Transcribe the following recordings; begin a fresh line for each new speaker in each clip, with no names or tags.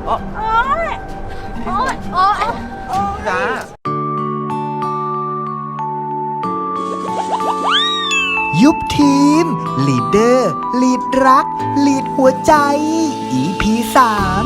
อ๋อ
โอ๊ยโอ๊ยโอ๊ย
พี่ฟ้า
ยุบทีม ลีดเดอร์ ลีดรัก ลีดหัวใจ EP 3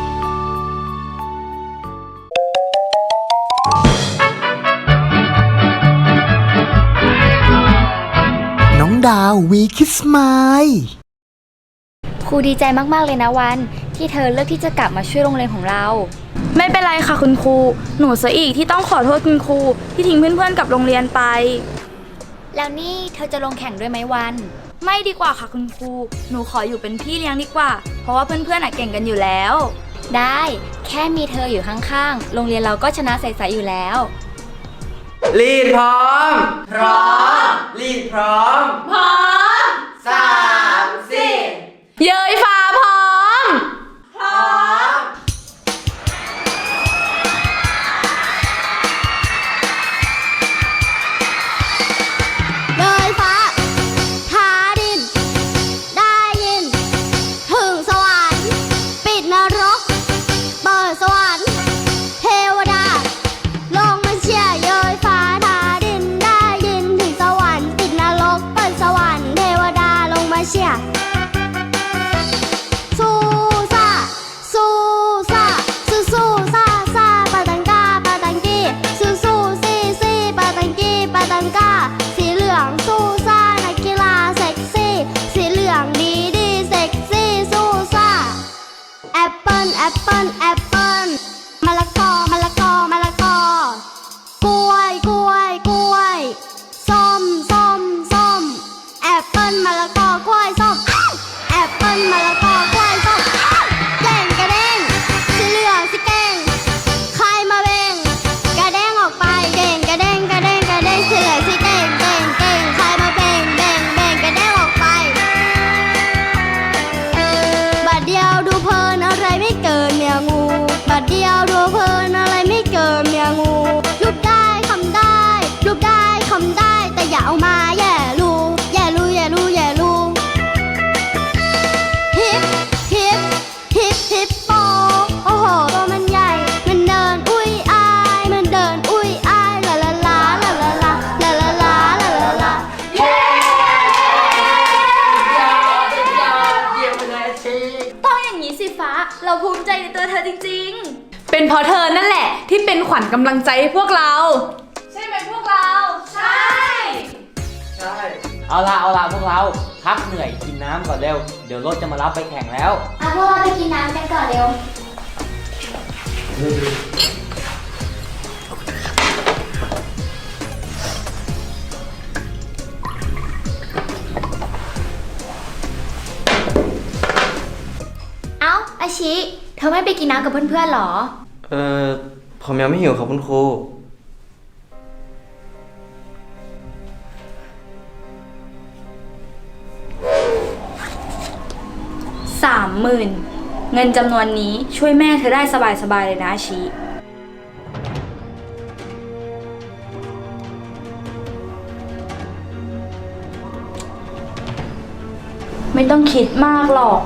น้องดาววีคิสไมล์
ครูดีใจมากๆเลยนะวันที่เธอเลือกที่จะกลับมาช่วยโรงเรียนของเรา
ไม่เป็นไรค่ะคุณครูหนูเสียอีกที่ต้องขอโทษคุณครูที่ทิ้งเพื่อนๆกับโรงเรียนไป
แล้วนี่เธอจะลงแข่งด้วยไหมวัน
ไม่ดีกว่าค่ะคุณครูหนูขออยู่เป็นพี่เลี้ยงดีกว่าเพราะว่าเพื่อนๆเก่งกันอยู่แล้ว
ได้แค่มีเธออยู่ข้างๆโรงเรียนเราก็ชนะใสๆอยู่แล้ว
ลีดพร้อมพร้อมลีดพร้อม
พร้อม
3 4
เย้ยฟ้าพร้อม
พร้อม
เลยฟ้าทาดินได้ยินถึงสวรรค์ปิดนรกเปิดสวรรค์เทวดาลงมาเชียร์เย้ยฟ้าทาดินได้ยินถึงสวรรค์ปิดนรกเปิดสวรรค์เทวดาลงมาเชียร์สู้ซ่าสู้ซ่าสู้สู้ซ่าซ่าปาตังกาปาตังกีสู้สู้ซี่ซี่ปาตังกีปาตังกาสีเหลืองสู้ซ่านักกีฬาเซ็กซี่สีเหลืองดีดีเซ็กซี่สู้ซ่าแอปเปิ้ลแอปเปิ้ลแอปเปิ้ลมะละกอมะละกอมะละกอกล้วยกล้วยกล้วยส้มส้มส้มแอปเปิ้ลมะละกอกล้วยส้มแอปเปิ้ลมะละกอกล้วยส้มเก่งกระเด้งสีเหลืองสีเก่งใครมาเบ่งกระเด้งออกไปเก่งกระเด้งกระเด้งกระเด้งสีเหลืองสีเก่งเก่งเก่งใครมาเบ่งเบ่งเบ่งกระเด้งออกไปบัดเดียวดูเพลินอะไรไม่เกินเมียงูบัดเดียวดูเพลินอะไรไม่เกินเมียงูรูปได้คำได้รูปได้คำได้แต่อย่าเอามาแย่รูแย่รูแย่รูแย่รูฮิปฮิปฮิปฮิปโปโอ้โหตัวมันใหญ่มันเดินอุ้ยอายมันเดินอุ้ยอายลาลาลาลาลาลาลาลาลาลาลาลาเย้
ต้องอย่างนี้สิฟ้าเราภูมิใจในตัวเธอจริงๆเป็นเพราะเธอนั่นแหละที่เป็นขวัญกำลังใจให้พวกเราใช่ไหมพวกเราใช่
เอาละพวกเราพักเหนื่อยกินน้ำก่อนเร็วเดี๋ยวรถจะมารับไปแข่งแล้ว
พวกเราไปกินน้ำกันก่อนเร็วเอ้าอาชิเธอไม่ไปกินน้ำกับเพื่อนๆหรอ
ผมยังไม่หิวครับคุณครู
30,000เงินจำนวนนี้ช่วยแม่เธอได้สบายๆเลยนะอาชิไม่ต้องคิดมากหรอก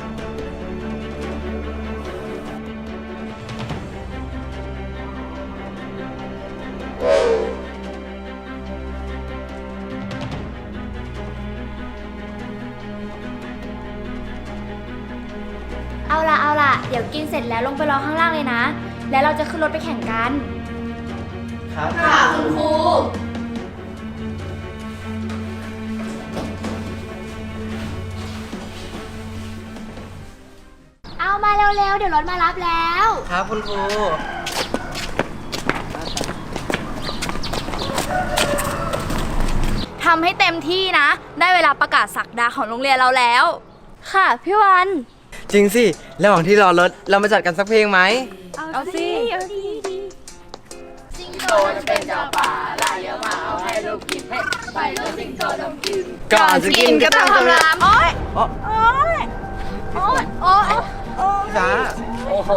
เอาล่ะเดี๋ยวกินเสร็จแล้วลงไปรอข้างล่างเลยนะแล้วเราจะขึ้นรถไปแข่งกัน
ครับ
ค่ะคุณครู
เอามาเร็วๆเดี๋ยวรถมารับแล้ว
ครับคุณครู
ทำให้เต็มที่นะได้เวลาประกาศศักดาของโรงเรียนเราแล้วค่ะพี่วัน
จริงสิระหว่างที่รอรถเรามาจัดกันสักเพลงไหม
เอาสิ
สิงโตจะเป็นเจ้าป่าลายเยอะมาเอาให้ลูกกินไปเลยสิงโตต้องกิน
ก่อนจะกินก็ต้องทำราม
โอ๊ย
จ้า
โอ้โห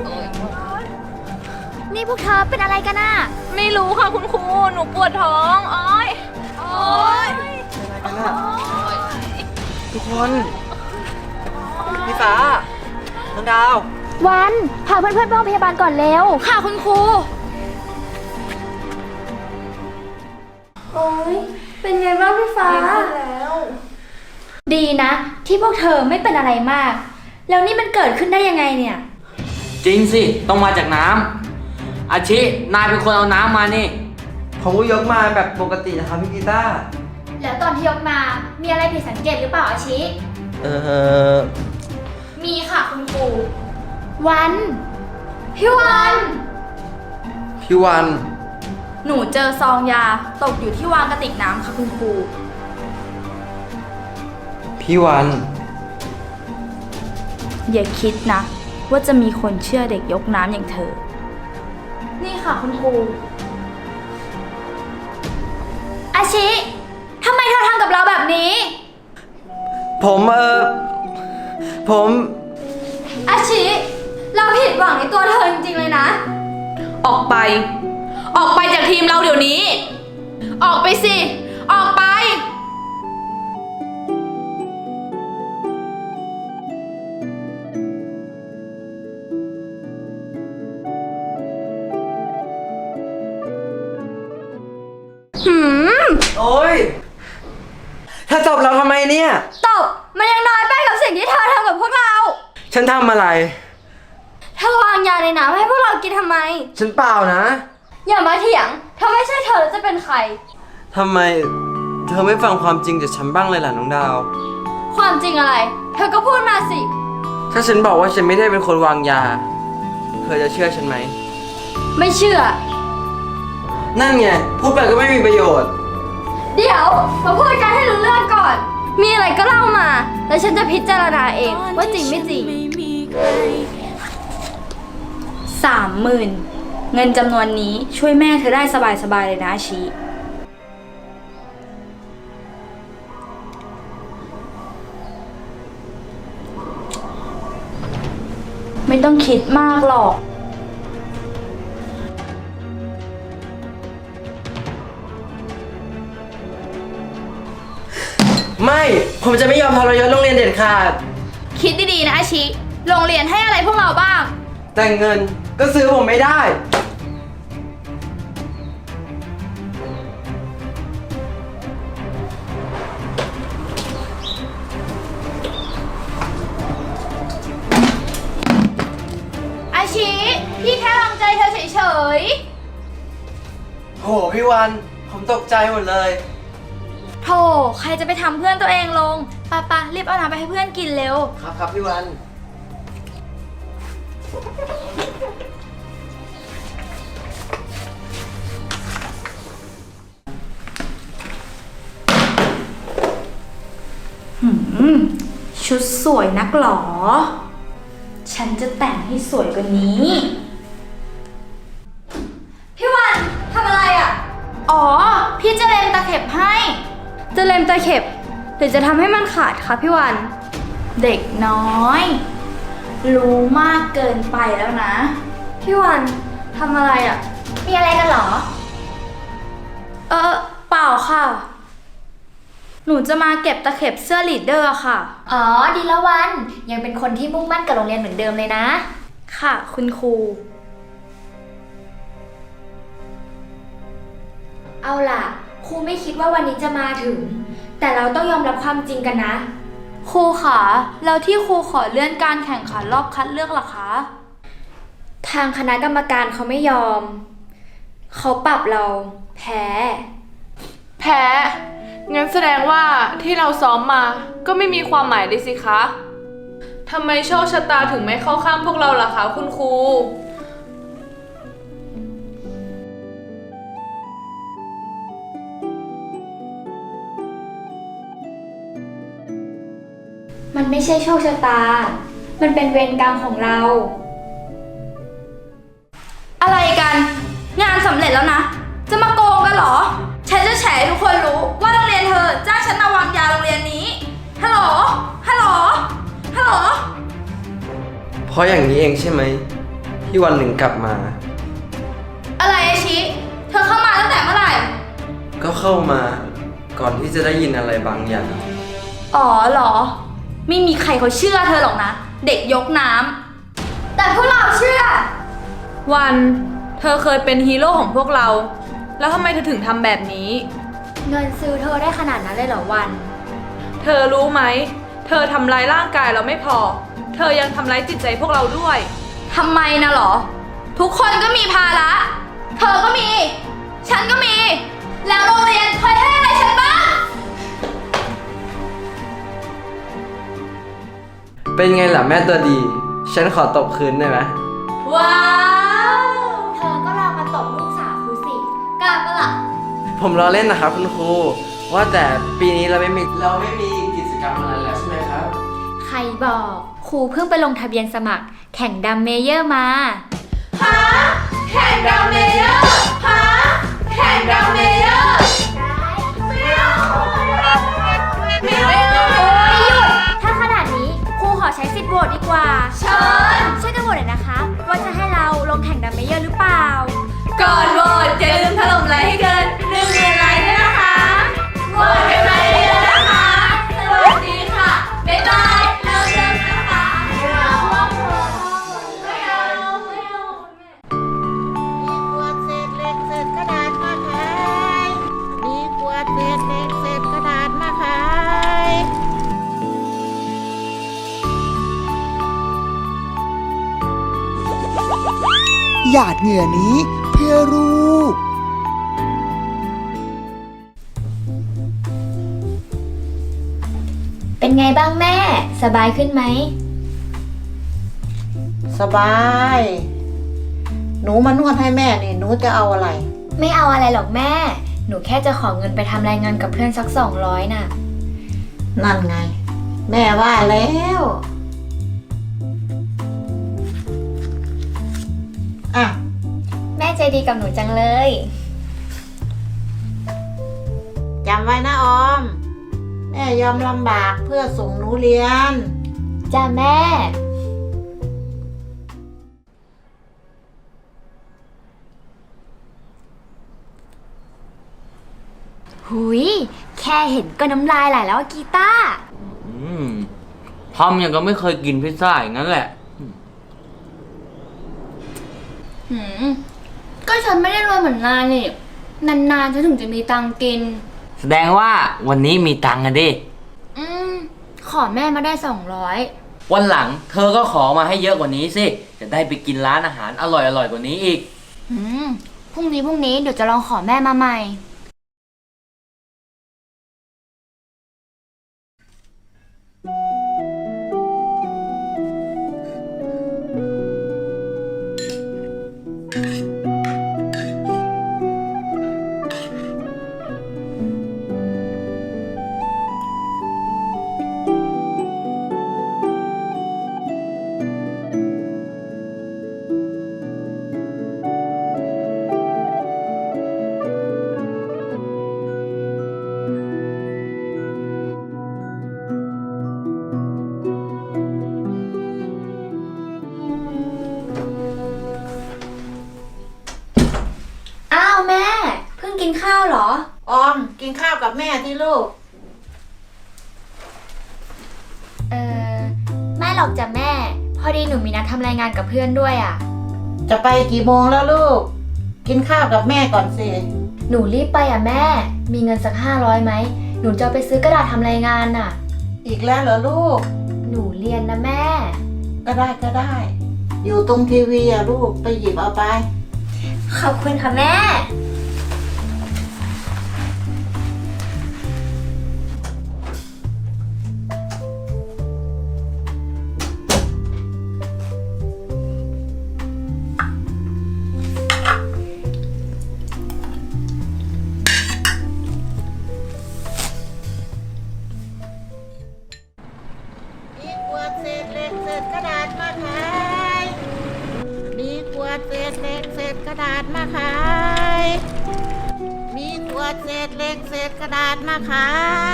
นี่พวกเธอเป็นอะไรกันน่ะ
ไม่รู้ค่ะคุณครูหนูปวดท้องโอ๊ย
ทุกคนพี่ฟ้าน้องดาว
วันพาเพื่อนๆไปโรงพยาบาลก่อนเร็ว
ค่ะคุณครู โอ๊ย เป็นไงบ้างพี่ฟ้า
ดีนะ ที่พวกเธอไม่เป็นอะไรมาก แล้วนี่มันเกิดขึ้นได้ยังไงเนี่ย
จริงสิ ต้องมาจากน้ำอาชิ นายเป็นคนเอาน้ำมานี่
ผมก็ยกมาแบบปกตินะครับพี่กีตาร์
แล้วตอนที่ยกมามีอะไรผิดสังเกตหรือเปล่าอาชิ มีค่ะคุณครูวัน
พี่วัน
พี่วัน
หนูเจอซองยาตกอยู่ที่วางกระติกน้ำค่ะคุณครู
พี่วัน
อย่าคิดนะ ว่าจะมีคนเชื่อเด็กยกน้ำอย่างเธอ นี่ค่ะคุณครู
อาชิทำไมเธอทำกับเราแบบนี้
ผม
อาชิ เราผิดหวังในตัวเธอจริงๆเลยนะ ออกไป ออกไปจากทีมเราเดี๋ยวนี้ ออกไปสิ ออกไป
โอ๊ยถ้าตบเราทำไมเนี่ย
ตบ มันยังน้อยไปกับสิ่งที่เธอทำกับพวกเรา
ฉันทำอะไร
เธอวางยาในน้ำให้พวกเรากินทำไม
ฉันเปล่านะ
อย่ามาเถียง ถ้าไม่ใช่เธอแล้วจะเป็นใคร
ทำไม เธอไม่ฟังความจริงจากฉันบ้างเลยล่ะน้องดาว
ความจริงอะไร เธอก็พูดมาสิ
ถ้าฉันบอกว่าฉันไม่ได้เป็นคนวางยา เธอจะเชื่อฉันไหม
ไม่เชื่อ
นั่นไง พูดไปก็ไม่มีประโยชน์
เดี๋ยวมาพูดกันให้รู้เรื่องก่อน มีอะไรก็เล่ามา แล้วฉันจะพิจารณาเองว่าจริงไม่จริง 30,000 เงินจำนวนนี้ช่วยแม่เธอได้สบายๆเลยนะอาชีไม่ต้องคิดมากหรอก
ไม่ ผมจะไม่ยอมทรยศโรงเรียนเด็ดขาด
คิดดีๆนะอาชิ โรงเรียนให้อะไรพวกเราบ้าง
แต่เงินก็ซื้อผมไม่ได้
อาชิ พี่แค่วางใจเธอเฉย
โหพี่วัน ผมตกใจหมดเลย
ๆโธ่ใครจะไปทำเพื่อนตัวเองลงปะรีบเอาน้ำไปให้เพื่อนกินเร็ว
ครับพี่วัน
ชุดสวยนักหรอ ฉันจะแต่งให้สวยกว่านี้ พี่วันทำอะไรอ่ะ อ๋อ พี่จะเล็มตะเข็บให้ จะเล็มตะเข็บหรือจะทำให้มันขาดคะพี่วัน เด็กน้อย รู้มากเกินไปแล้วนะ พี่วันทำอะไรอ่ะ
มีอะไรกันเหรอ
เปล่าค่ะ หนูจะมาเก็บตะเข็บเสื้อลีดเดอร์ค่ะ
อ๋อ ดีละวัน ยังเป็นคนที่มุ่งมั่นกับโรงเรียนเหมือนเดิมเลยนะ
ค่ะ คุณครู
เอาล่ะ ครูไม่คิดว่าวันนี้จะมาถึง แต่เราต้องยอมรับความจริงกันนะ
ครูคะแล้วที่ครูขอเลื่อนการแข่งขันรอบคัดเลือกล่ะคะ
ทางคณะกรรมการเขาไม่ยอม เขาปรับเราแพ้
แพ้ งั้นแสดงว่าที่เราซ้อมมาก็ไม่มีความหมายเลยสิคะ ทำไมโชคชะตาถึงไม่เข้าข้างพวกเราล่ะคะคุณครู
มันไม่ใช่โชคชะตา มันเป็นเวรกรรมของเรา
อะไรกัน งานสำเร็จแล้วนะ จะมาโกงกันเหรอ ฉันจะแฉให้ทุกคนรู้ว่าโรงเรียนเธอจ้างฉันมาวางยาโรงเรียนนี้ ฮัลโหล ฮัลโหล ฮัลโหล
เพราะอย่างนี้เองใช่ไหมที่วันหนึ่งกลับมา
อะไรอาชิ เธอเข้ามาตั้งแต่เมื่อไหร่
ก็เข้ามาก่อนที่จะได้ยินอะไรบางอย่าง
อ๋อเหรอ ไม่มีใครเขาเชื่อเธอหรอกนะ เด็กยกน้ำแต่พวกเราเชื่อ
วัน เธอเคยเป็นฮีโร่ของพวกเรา แล้วทำไมเธอถึงทำแบบนี้
เงินซื้อเธอได้ขนาดนั้นเลยเหรอวัน
เธอรู้ไหม เธอทำร้ายร่างกายเราไม่พอ เธอยังทำร้ายจิตใจพวกเราด้วย
ทำไมนะเหรอ ทุกคนก็มีภาระ เธอก็มี ฉันก็มี แล้วโรงเรียนเคยให้อะไรฉันบ้าง
เป็นไงล่ะแม่ตัวดี ฉันขอตบคืนได้ไหม
ว้าว
เธอก็ลองมาตบลูกสาวครูสิ
กล้าปะล่ะ
ผมล้อเล่นนะครับคุณครู ว่าแต่ปีนี้เราไม่มีกิจกรรมอะไรแล้วใช่ไหมครับ
ใครบอก ครูเพิ่งไปลงทะเบียนสมัคร แข่งดัมเมเยอร์มา
แข่งดัมเมเยอร์ฮะแข่งดัมเมเยอร์ไม่เอา
ไม่หยุด ถ้าขนาดนี้ครูขอใช้สิทธิ์โหวตดีกว่า
เชิญ
ช่วยกันโหวตหน่อยนะคะ ว่าจะให้เราลงแข่งดัมเมเยอร์หรือเปล่า
ก่อนโหวตอย่าลืมถล่มไลค์ให้เกิน1,000,000 ไลค์ด้วยนะคะโหวตกันมาเยอะๆนะคะ สวัสดีค่ะ บ๊ายบาย เริ่มนะคะไม่เอาไม่เอาไม่เอา
มีขวดเศษเหล็กเศษกระดาษมาขาย มีขวดเศษเหล็กเศษกระดาษมาขาย
หยาดเหงื่อนี้เพื่อลูก
เป็นไงบ้างแม่ สบายขึ้นไหม
สบาย หนูมานวดให้แม่นี่ หนูจะเอาอะไร
ไม่เอาอะไรหรอกแม่ หนูแค่จะขอเงินไปทำรายงานกับเพื่อนสัก200น่ะ
นั่นไง แม่ว่าแล้ว อ่ะ
แม่ใจดีกับหนูจังเลย
จำไว้นะออม แม่ยอมลำบากเพื่อส่งหนูเรียน
จ้าแม่ หุยแค่เห็นก็น้ำลายไหลแล้วอะกีตาร์
ทำอย่างก็ไม่เคยกินพิซซ่าอย่างนั้นแหละ
ก็ฉันไม่ได้รวยเหมือนนายนี่ นานๆฉันถึงจะมีตังค์กิน
แสดงว่าวันนี้มีตังค์กันดิ
ขอแม่มาได้200
วันหลังเธอก็ขอมาให้เยอะกว่านี้สิ จะได้ไปกินร้านอาหารอร่อยๆกว่านี้อีก
พรุ่งนี้เดี๋ยวจะลองขอแม่มาใหม่
อ้าวแม่ เพิ่งกินข้าวเหรอ
ออม กินข้าวกับแม่ที่ลูก
ไม่หรอกจ้ะแม่ พอดีหนูมีนัดทำรายงานกับเพื่อนด้วยอ่ะ
จะไปกี่โมงแล้วลูก กินข้าวกับแม่ก่อนสิ
หนูรีบไปอ่ะแม่ มีเงินสัก500ไหม หนูจะเอาไปซื้อกระดาษทำรายงานน่ะ
อีกแล้วเหรอลูก
หนูเรียนนะแม่
ก็ได้ อยู่ตรงทีวีอะลูก ไปหยิบเอาไป
ขอบคุณค่ะแม่
มีขวดเศษเหล็กเศษกระดาษมาขาย มีขวดเศษเหล็กเศษกระดาษมาขาย มีขวดเศษเหล็กเศษกระดาษมาขาย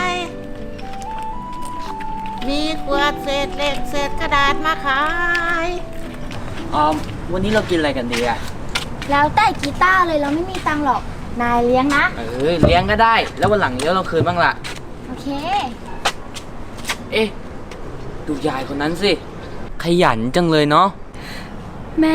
มีขวดเศษเหล็กเศษกระดาษมาขาย
ออม วันนี้เรากินอะไรกันดีอะ
แล้วแต่กีตาร์เลยเราไม่มีตังค์หรอก นายเลี้ยงนะ
เลี้ยงก็ได้ แล้ววันหลังเลี้ยงเราคืนบ้างล่ะ
โอเค
เอ๊ะ ดูยายคนนั้นสิ ขยันจังเลยเนาะ
แม่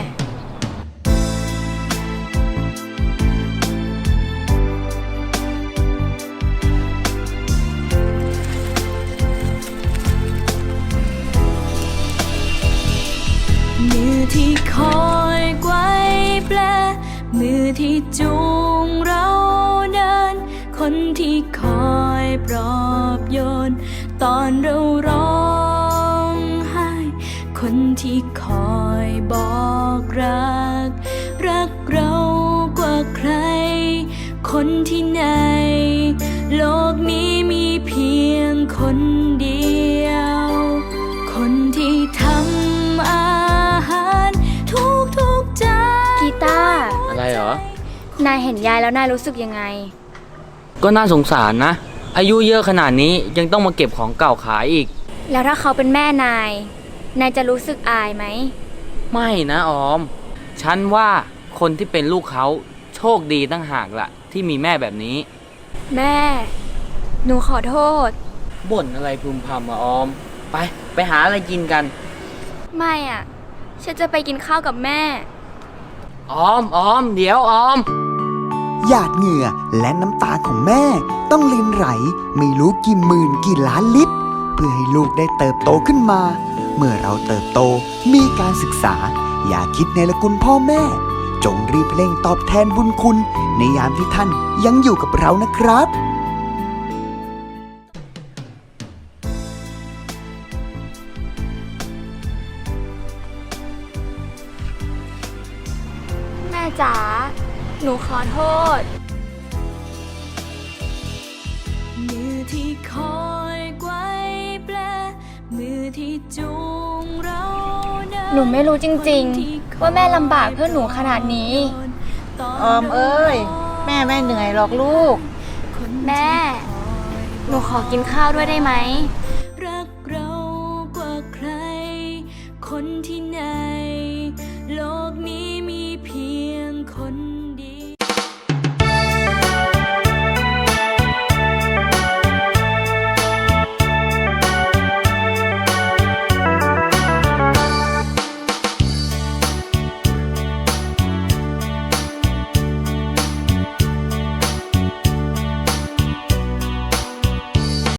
มือที่คอยไกวแปลมือที่จูงเราเดิน คนที่คอยปลอบโยน ตอนเราร้องไห้ คนที่คอยบอกรัก รักเรากว่าใคร คนที่ในโลกนี้มีเพียงคนเดียว คนที่ทำอาหารทุกจาน
กีตาร์
อะไรเหรอ
นายเห็นยายแล้วนายรู้สึกยังไง
ก็น่าสงสารนะ อายุเยอะขนาดนี้ยังต้องมาเก็บของเก่าขายอีก
แล้วถ้าเขาเป็นแม่นาย นายจะรู้สึกอายไหม
ไม่นะออม ฉันว่าคนที่เป็นลูกเขาโชคดีตั้งหากละที่มีแม่แบบนี้
แม่ หนูขอโทษ
บ่นอะไรพึมพำอะออม ไปหาอะไรกินกัน
ไม่อ่ะ ฉันจะไปกินข้าวกับแม่
ออม เดี๋ยวออม
หยาดเหงื่อและน้ำตาของแม่ต้องลินไหลไม่รู้กี่หมื่นกี่ล้านลิตร เพื่อให้ลูกได้เติบโตขึ้นมา เมื่อเราเติบโตมีการศึกษา อย่าคิดในละคุณพ่อแม่ จงรีบเร่งตอบแทนบุญคุณ ในยามที่ท่านยังอยู่กับเรานะครับ
แม่จ๋า หนูขอโทษ
มือที่คอยไกวแปลมือที่จูงเราเดิน
หนูไม่รู้จริงๆ ว่าแม่ลำบากเพื่อหนูขนาดนี้
ออมเอ้ย แม่ไม่เหนื่อยหรอกลูก
แม่ หนูขอกินข้าวด้วยได้ไหม
รักเรากว่าใคร คนที่ไหน